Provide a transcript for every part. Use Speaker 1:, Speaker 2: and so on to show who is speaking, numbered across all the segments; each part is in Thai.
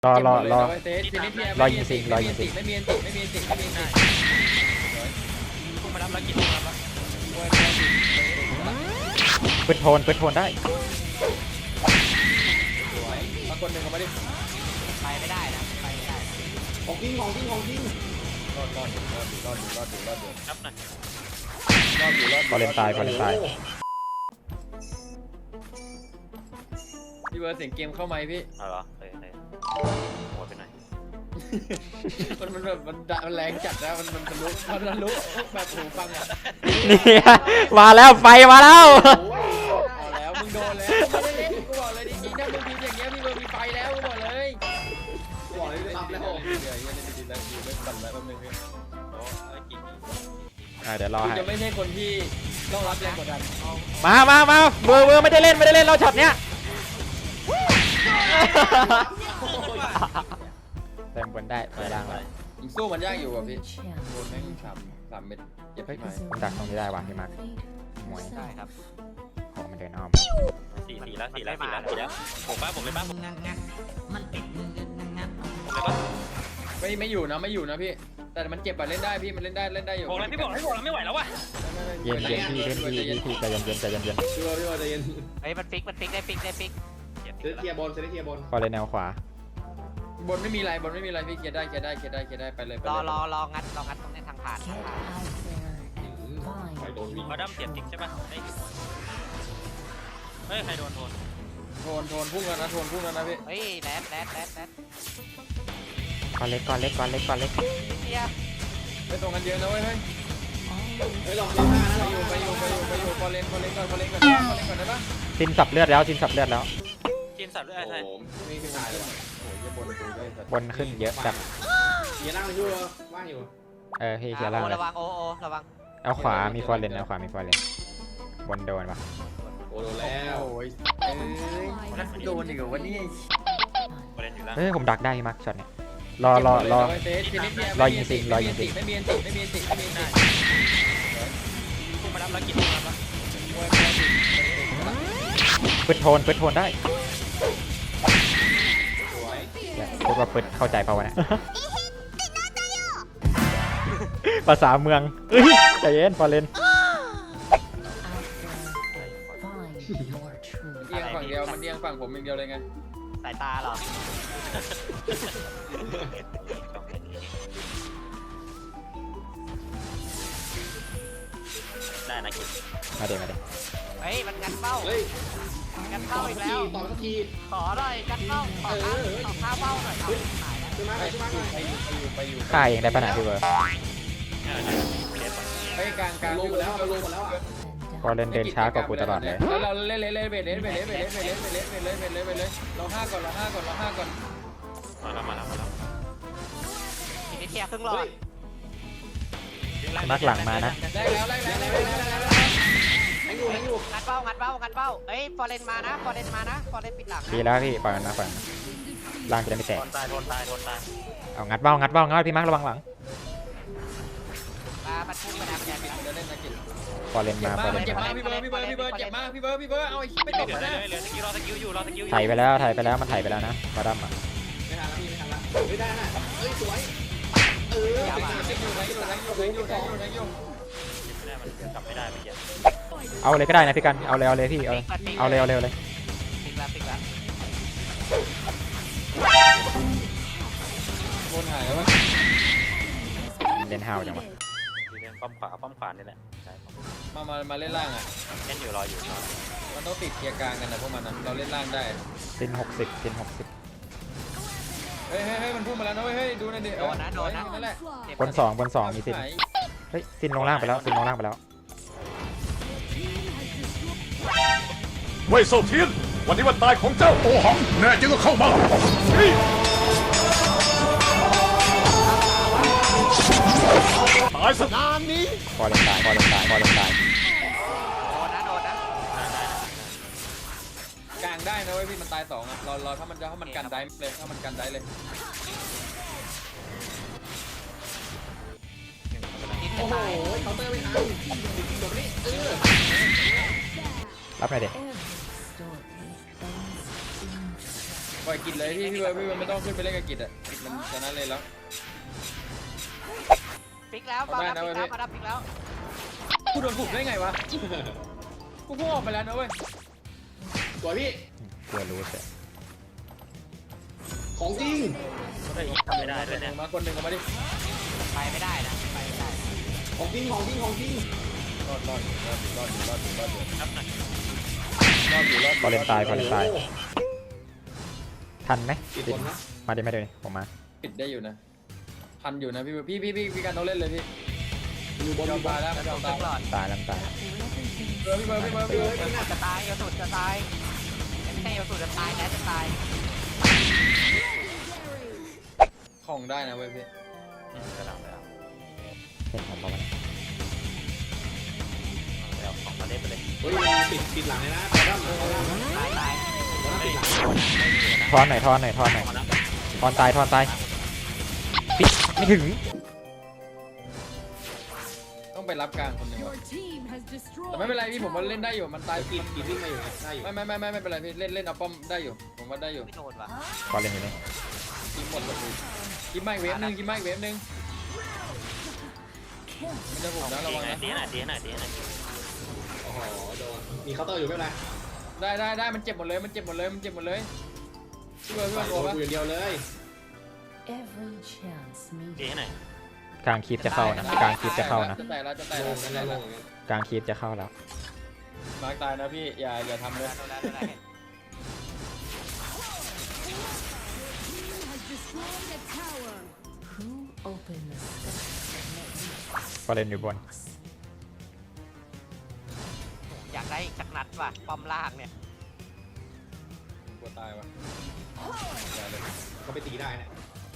Speaker 1: รอ
Speaker 2: รอยิงสิงไม่มีอันติไม่มีอันติ
Speaker 3: กูมารับแล้วกินมารับแล้ว
Speaker 1: ปืนโทนได้
Speaker 2: มาคนหนึ่งเขาไม่ได้
Speaker 3: ไปไม่ได้นะไปไม่ได้
Speaker 4: ของจริง
Speaker 2: รอดอยู่ครับหน่อย
Speaker 1: พอเล่นตาย
Speaker 2: พี่เบิร์ดเสียงเกมเข้าไหมพี่
Speaker 3: เอาเหรอเลยโหดไปหน่อย
Speaker 2: มันแบบมันแรงจัดนะมันทะลุแบบหูฟังอ่ะ
Speaker 1: นี่มาแล้วไฟมาแล้ว
Speaker 2: เอาแล้วมึงโดนแล้วไม่ได้เล่นกูบอกเลยจริงๆถ้ามึงพิมพ์อย่างเงี้ยพี่เบิร์ดมีไฟแล้วกูบอกเลย
Speaker 4: รับแล้ว
Speaker 2: เดี๋ยวยังไม่ดีแล้วอยู่ไม่ปั่นแล้วแป๊บนึงพี่
Speaker 3: โอ้ยกิน
Speaker 1: เดี๋ยวรอให้
Speaker 2: จะไม่ใช่คนที่ต้องรับแรงกดดัน
Speaker 1: มาเบอร์ไม่ได้เล่นเราช็อตเนี้ยเต็มบนได้ไปล่างเลย
Speaker 2: ยิงสู้มันยากอยู่อ่ะพี่โดนแม่งสามเม็ดเจ็บ
Speaker 1: เฮ้ย
Speaker 2: ไหม
Speaker 1: ผมดักตรงนี้ได้ว่ะพี่มาร์คมวย
Speaker 3: ได้ครับ
Speaker 1: ของมันเดินอ้อม
Speaker 3: สี่แล้วผมเลยป้าผม
Speaker 2: ไม่อยู่นะพี่แต่มันเจ็บอะเล่นได้พี่มันเล่นได้อยู่
Speaker 3: บอกเลยพี่บอกให้บอกแล้วไม่ไหวแล้ววะ
Speaker 1: เย็นพี่เล่นพี่ใจเย็น
Speaker 4: พี่บอลใจเย็น
Speaker 3: เฮ้ยมันฟิกได้ฟิก
Speaker 4: เซตเทียบอล
Speaker 1: พอเลยแนวขวา
Speaker 2: บนไม่มีอะไรพี่เคลียร์ได้ไปเลย
Speaker 3: รองัดตรงนี้ทางผ่านเขาดั้มเสียบจริงใช่ป่ะเฮ้ยใครโดน
Speaker 2: โทนพุ่งแล้วนะพี่
Speaker 3: เฮ้ยแรด
Speaker 1: ก้อนเล็ก
Speaker 3: เฮีย
Speaker 2: ไปตรงกันเยอะนะเว้ย
Speaker 4: เฮ้ยลองหน้านะ
Speaker 2: ไปอยู่พอเล่นก่อนได้ปะ
Speaker 1: ซินสับเลือดแล้ว
Speaker 3: กินสับด้วยใช่
Speaker 2: นี่คือถ่ายเลยโอ้ยบนดูได้
Speaker 1: บนขึ้นเยอะแบบ
Speaker 4: เฮียนั่งอยู่ว่างอยู่
Speaker 1: พี่เชียร์ล่างเลย
Speaker 3: ระวังโอระวัง
Speaker 1: เอาขวามีฟอร์เรนบนโดนปะ
Speaker 4: โอ้โดนแล้ว
Speaker 2: โอ้ยนักโดนอีกเหรอวะนี่
Speaker 3: ประเด็นอยู่ล่าง
Speaker 1: เฮ้ยผมดักได้มักช็อตเนี้ยรอยิงสิง
Speaker 2: ไม่มีอันติ
Speaker 3: กูมารับแล้วกินมารับแล้ว
Speaker 1: ปืนโทนได้พวกเราปืนเข้าใจเปล่าวะเนี่ยภาษาเมืองใจเย็นฟอร์เรน
Speaker 2: เอียงฝั่งเดียวมันเอียงฝั่งผมอย่างเดียวเลยไง
Speaker 3: สายตาหรอได้นะกิน
Speaker 1: มาเดี๋ยว
Speaker 3: เฮ้ยมันงัดเป้า
Speaker 4: เฮ้ย
Speaker 3: งัดเป้าอีกแล้ว
Speaker 4: ต่อสักที
Speaker 3: ขอหน่อยงัดเป้าขอข้าวเป้าหน่อย
Speaker 2: ไปอยู่
Speaker 1: ฆ่าเองได้ปะนะพี่เบิร์ด
Speaker 2: ไปกลาง
Speaker 4: ลงหมดแล้วอ่ะ
Speaker 1: ฟอร์เรนเดินช้ากว่ากูตลอดเลย
Speaker 2: แล้วเราเล่นเบสเรา5ก่อน
Speaker 3: มาแล้วทีนี้เทียครึ่งหลอด
Speaker 1: มักหลังมานะ
Speaker 2: ได้แล้ว
Speaker 4: ให้อยู่
Speaker 3: งัดเป้าเฮ้ยฟอร์เรนมานะฟอร์เรนปิดหลัง
Speaker 1: ดีแล้วพี่ปล่อยมันมาล่างจะได้ไม่แตก
Speaker 3: โดนตาย
Speaker 1: เอางัดเบ้าพี่มาร์คระวังหลัง
Speaker 3: มาปัดพุ่งมาแล้วแกไป
Speaker 2: เล่นนะกิน
Speaker 1: ฟอร์เรนมา
Speaker 2: เจ็บมากพี่เบิร์ดเจ็บมากพี่เบิร์ดเอาไอ้ไม่ตกนะ
Speaker 3: เหลือสกิลอยู่
Speaker 1: ถ่ายไปแล้วมันถ่ายไปแล้วนะบาดัมอ่ะ
Speaker 4: ไม่ทันละไม่ได้นะเฮ้ยสวย
Speaker 2: อยู่
Speaker 3: กลับไม่ได้เมื่อกี้
Speaker 1: เอาเลยก็ได้นะพี่กันเอาเลยพี่เอาเลย
Speaker 3: ปิกแล้ว
Speaker 2: บนหายแล้วมั้ง
Speaker 1: เล่นฮาวจังวะ
Speaker 3: เล่นป้อมขวานี่แหละ
Speaker 2: มาเล่นล่างอ่ะ
Speaker 3: เล่นอยู่รออยู่
Speaker 2: มันต้องติดเกียร์กลางกันนะพวกมันนะเราเล่นล่างได้
Speaker 1: ซิน60
Speaker 2: เฮ้ยมันพุ่งมาแล้วนะเฮ้ยดูนะเด็กโดนนั่นแหละ
Speaker 1: บนสองมีซินเฮ้ยซินลงล่างไปแล้ว
Speaker 5: เว่ยเซาเทียนวันนี้วันตายของเจ้าโอหังแน่จริงก็เข้ามาตายสนานนี้
Speaker 1: ฟอร์เรนตาย
Speaker 3: โดนนะ
Speaker 2: กลางได้นะเว้ยพี่มันตาย2อ่ะเราถ้ามันกันได้เลยถ้ามันกันได้เลย
Speaker 4: โอ้โหเคาน์เตอร์ไม่ทันจบนี่
Speaker 1: รับหน่อยเด็ก
Speaker 2: ปล่อยกิจเลยพี่เบิร์ดไม่ต้องขึ้นไปเล่นกับกิจอ่ะกิจมันชนะเลยแล้ว
Speaker 3: ปิกแล้วมาดับปิกแล้วมาดับปิกแล้ว
Speaker 2: กูโดนบุกได้ไงวะกูพุ่งออกไปแล้วนะเว้ย
Speaker 4: สวยพี่
Speaker 1: กลัวรู้แต่
Speaker 4: ของจริง
Speaker 6: เฮ้ยทำไม่ได้ด้วยเนี่ย
Speaker 2: มาคนหนึ่งเอามาดิ
Speaker 3: ไปไม่ได้นะไปไม่ได้
Speaker 4: ของจริงของจริงของจริง
Speaker 2: รอดอยู่
Speaker 6: ครับหน่อย
Speaker 1: ฟอร์เรนตายฟอร์เรนตายทันไหม
Speaker 4: กี่
Speaker 1: ติ
Speaker 4: ค
Speaker 1: ด
Speaker 4: นนะ
Speaker 1: มาดิไม่เลยผมมา
Speaker 2: ปิดได้อยู่นะพันอยู่นะพี่การต้องเล่นเลยพี่
Speaker 4: อยู่บน
Speaker 2: ยอมตายแล้วยอม
Speaker 3: ต
Speaker 2: ตาย
Speaker 3: ลอด
Speaker 1: ตายแล้วตาย
Speaker 2: พี่เบิร์ด
Speaker 3: จะตายเอาสุดจะตายไม่ใช่เอาสุดจะตายแล้วจะตาย
Speaker 2: ของได้นะเว้ยพี่
Speaker 6: กระดับแล้ว
Speaker 1: เห็นผมประมาณ
Speaker 6: เอาของมาเล่นไปเลย
Speaker 4: เฮ้ยปิดหลังเลยนะตอนนั้น
Speaker 3: ตายตาย
Speaker 4: ปิดหลัง
Speaker 1: ทอนหน่อยทอนหน่อยทอนหน่อยทอนตายทอนตายปิดไม่ถึง
Speaker 2: ต้องไปรับกลางคนหนึ่ง
Speaker 7: Your team has destroyed
Speaker 2: แต่ไม่เป็นไรพี่ผมว่าเล่นได้อยู่มันตาย
Speaker 4: กิดวิ่งมาอยู่ได้อยู่
Speaker 2: ไม่เป็นไรพี่เล่นเอาป้อมได้อยู่ผมว่าได้อยู่
Speaker 3: ไม่โดนว่ะ
Speaker 1: ฟอร์เรนอยู่นี่
Speaker 2: กินหมดเลยกินไม่เวฟนึงกินไม่เวฟนึงมันจะบุกนะระวังนะ
Speaker 6: ตีหน่อยตีหน่อยตีหน่อย
Speaker 4: โอ้โหโดนมีเคาน์เตอร์อยู่ไม่เป็นไร
Speaker 2: ได้มันเจ็บหมดเลยพี่เบิร์ดพี่เบิร์ด
Speaker 4: ใส่
Speaker 2: ตัว
Speaker 4: โดน
Speaker 2: ปะ
Speaker 4: อยู่อย่างเดียวเลย
Speaker 8: Every chance me
Speaker 6: ตีหน่อย
Speaker 1: กลางคีบจะเข้านะกลางคีบจะเข้านะ
Speaker 2: จะแตกแล้ว
Speaker 4: โล่งกันแล้วโล่งกัน
Speaker 1: กลางคีบจะเข้าแล้ว
Speaker 2: มาร์กตายนะพี่อย่าทำเลย
Speaker 3: โดนแล้ว
Speaker 7: has destroyed a tower.
Speaker 8: who opened the sky
Speaker 1: ฟอร์เรนอยู่บน
Speaker 3: อยากได้อีกสักนัดว่ะป้อมล่างเนี่ย
Speaker 2: กลัวตายวะอย่าเลย
Speaker 4: เขาไปตีได้นะ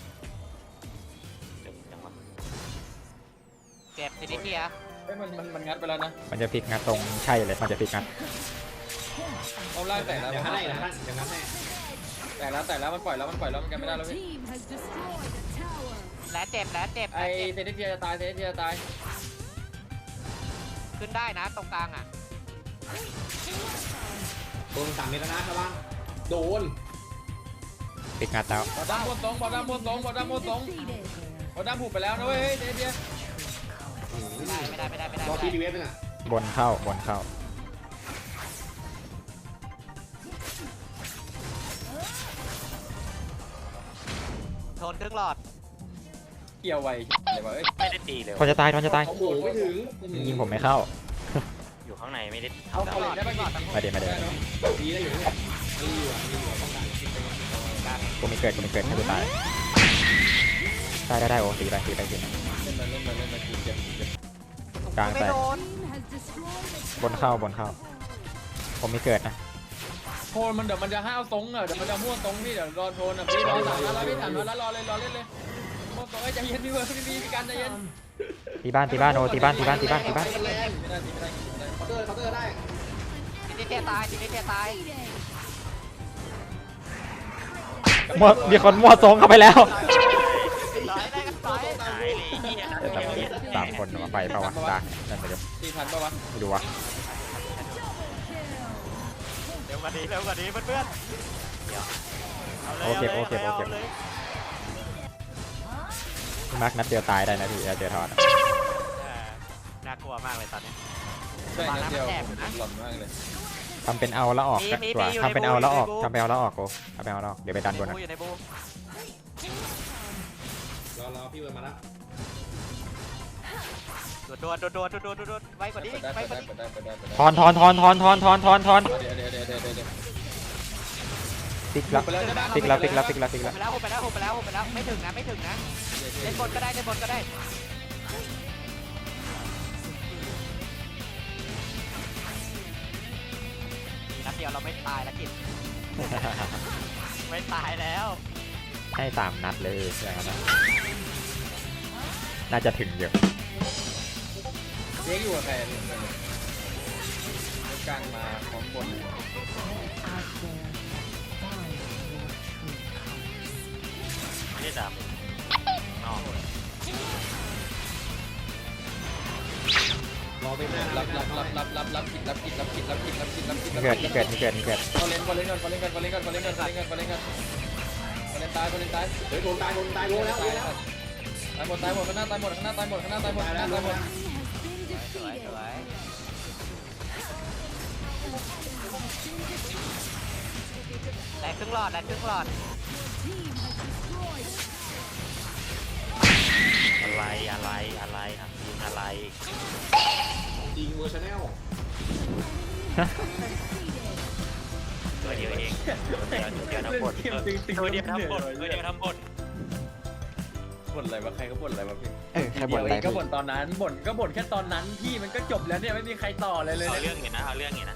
Speaker 6: เดี๋ยวจังหวะ
Speaker 3: เจ็บทีนี้เกีย
Speaker 2: เฮ้ยมันงัดไปแล้วนะ
Speaker 1: มันจะพลิกงัดตรงใช่เลยมันจะพลิกงัด
Speaker 2: ป้อมล่างแตกแล้ว
Speaker 4: อย่างนั้นให้นะท่านอย่างนั้นให้
Speaker 2: แตกแล้วมันปล่อยแล้วมันกันไม่ได้
Speaker 7: Your
Speaker 2: แล้วพี่
Speaker 7: team has destroyed a tower.
Speaker 3: แล้วเจ็บ
Speaker 2: ไอเซนเทียจะตาย
Speaker 3: ขึ้นได้นะตรงกลางอ่ะ
Speaker 4: โดน3 เมตรแล้วนะชาวบ้านโดน
Speaker 1: พลิกงัดแล้ว
Speaker 2: บอลด้ามม้วนตรงบอลด้ามผูกไปแล้วนะเว้ยเซนเทีย
Speaker 3: ไม่ได้
Speaker 4: รอทีดีเวฟนึงอ่ะ
Speaker 1: บนเข้าบนเข้า
Speaker 3: โดนครึ่งหลอด
Speaker 2: เกี่ยวไวเลยวะเอ้ย
Speaker 6: ไม่ได้ตีเลย
Speaker 1: ทอนจะตายทอนจะตาย
Speaker 4: โอ้โหไม่ถึง
Speaker 1: ยิงผมไม่เข้า
Speaker 6: อยู่ข้างในไม่ได้
Speaker 2: เอาเลยได้ไหมก่อน
Speaker 1: ไม่เดี๋ยว
Speaker 4: ดีได้อยู่เนี่ยมีอยู่ป้องกัน
Speaker 1: กูไม่เกิดให้กูตายได้โอ้ตีไป
Speaker 2: เล่นมาเจ็บ
Speaker 1: กลาง
Speaker 3: ไม่
Speaker 1: แตก
Speaker 3: โดน
Speaker 7: Team has destroyed a
Speaker 1: บนเข้าผมไม่เกิดนะ
Speaker 2: โทนมันเดี๋ยวมันจะห้าวตรงอ่ะเดี๋ยวมันจะม่วนตรงพี่เดี๋ยวรอโทนอ่ะพี่รอ3 นัดแล้วพี่3 นัดแล้วรอเล่นเลยม่วนตรงใจเย็นพี่เบิร์ดพี่การใจเย็น
Speaker 1: ตีบ้านโอ้ตีบ้าน
Speaker 2: ไม่ได้
Speaker 4: เคาน์เตอร์ได้
Speaker 3: ทีนี้เกียตายทีนี้เกียตาย
Speaker 1: มั่วมีคนมั่วทรงเข้าไปแล้ว
Speaker 3: ต่อยได้กันต่อย
Speaker 6: ตายเลยเฮีย
Speaker 1: แต่ตอนนี้3 คนมาไปเปล่าวะดักนั่นไปดู
Speaker 2: ตีทันปะวะ
Speaker 1: ไม่ดูวะ
Speaker 3: เร็วกว่านี้เพื่อน
Speaker 1: โอเคพี่มาร์คนัดเดียวตายได้นะพี่เจอทอน
Speaker 3: น่ากลัวมากเลยตอนนี้
Speaker 2: ใช่นัดเดียวหล่อนมากเลย
Speaker 1: ทำเป็นเอาแล้วออกดีกว่าทำเป็นเอาแล้วออกกูทำเป็นเอาแล้วออกเดี๋ยวไปดันบนนะ
Speaker 3: อยู่ในบู
Speaker 4: รอพี่เวิร์ดมาแล้ว
Speaker 3: โดนไว้กว่านี้
Speaker 2: ได้
Speaker 1: ทอน
Speaker 2: เดี๋ยว
Speaker 1: พลิกแล้ว
Speaker 3: ไปแล้วไม่ถึงนะเล่นบนก็ได้นัดเดียวเราไม่ตายแล้วกินไม่ตายแล้ว
Speaker 1: ให้3 นัดเลยอย่างนั้นน่าจะถึงเยอะ
Speaker 2: เลี้ยงอยู่กับใครกลางมาของบน
Speaker 8: out there find your true colors
Speaker 6: ไม่ได้ดำนอก
Speaker 4: รอไปหน้า
Speaker 2: รับผิด
Speaker 1: มีเกิดมีเกิดมีเกิดมีเกิด
Speaker 2: พอเล่นก่อนพอเล่นตาย
Speaker 4: เฮ้ยโดนตายโดนแล้ว
Speaker 2: ตายหมดข้างหน้าตายหมด
Speaker 3: Team has been
Speaker 2: สวย
Speaker 3: defeated. ได้ครึ่งหลอด
Speaker 7: Team has destroyed.
Speaker 6: อะไรครับยิงอะไร
Speaker 4: จริงเวอร์ชันแนล
Speaker 6: ตัวเดียวเองตัวเดียวทำบทตัวเดียวทำบท
Speaker 2: บ่นอะไรวะใครก็บ่นอะไรวะพี่
Speaker 1: ใครบ่นอะไร
Speaker 2: ก็บ่นตอนนั้นบ่นแค่ตอนนั้นพี่มันก็จบแล้วเนี่ยไม่มีใครต่อเลย
Speaker 6: เอา
Speaker 2: เนี่ย
Speaker 6: เรื่องอยู่นะเอาเรื่องอยู่นะ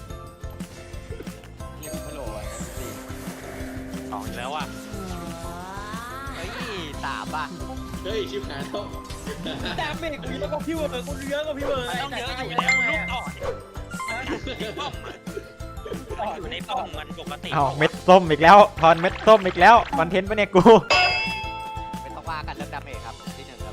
Speaker 2: เงียบไม่โหลอ่ะ
Speaker 6: สองแล้วว่ะ
Speaker 3: เฮ้ย3อ่ะ
Speaker 4: เฮ้ยชิบหายแล้ว
Speaker 2: แต่เมฆกูต้องกับพี่เวอร์กูเยอะกว่าพี่เวอร์
Speaker 6: ต้องเยอะอยู่แล้วลูกต่ออยู่ในป้อมมันปกติ
Speaker 1: เอาเม็ดส้มอีกแล้วทอนเม็ดส้มอีกแล้วคอนเทนต์ปะเนี่ยกู
Speaker 3: ไม่ต้องว่ากันเรื่องดาเมจครับที่1